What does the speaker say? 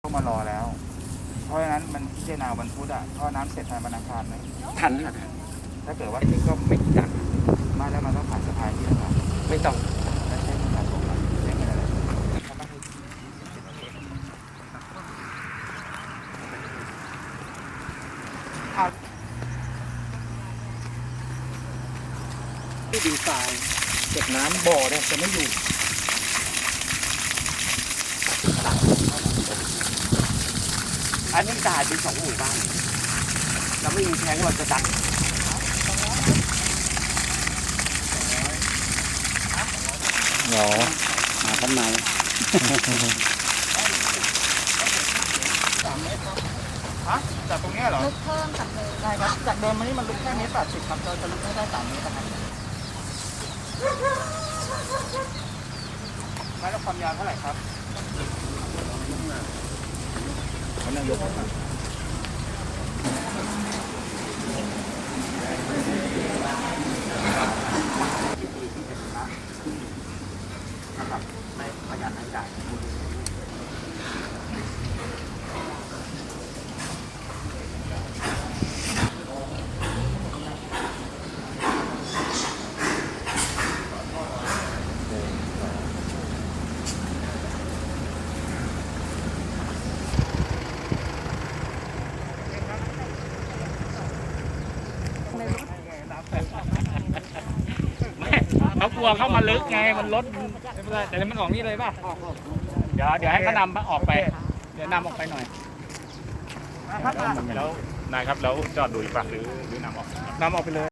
ก็มารอแล้วเพราะฉะนั้นมันพิจารณาวันพุธอ่ะท่อน้ำเสร็จภายในวันอังคารไหมทันค่ะทันถ้าเกิดว่านี่ก็ไม่กี่ตังค์มาแล้วมันต้องผ่านสะพานที่แล้วครับไม่ต้องแล้วใช้การตกหลังใช้เงินอะไรที่ดินทรายเก็บน้ำบ่อเนี่ยจะไม่อยู่อันนี้ตาเป็น2 หมู่บ้านเราไม่มีแทงเราจะดักหรอมาทำไมฮะจากตรงนี้เหรอลึกเพิ่มจากเดิมได้ครับจากเดิมมานี่มันลึกแค่เมตร 80ครับเราจะลึกให้ได้3 เมตรนะครับไม่แล้วความยาวเท่าไหร่ครับเขานายกนะครับไม่ประหยัดรายจ่ายเขากลัวเข้ามาลึกไงมันลดไม่เป็นไรแต่มันออกนี่เลยป่ะเดี๋ยวให้เขานำออกไปเดี๋ยวนำออกไปหน่อยแล้วนายครับแล้วจอดดูอีกฝั่งหรือนำออกไปเลย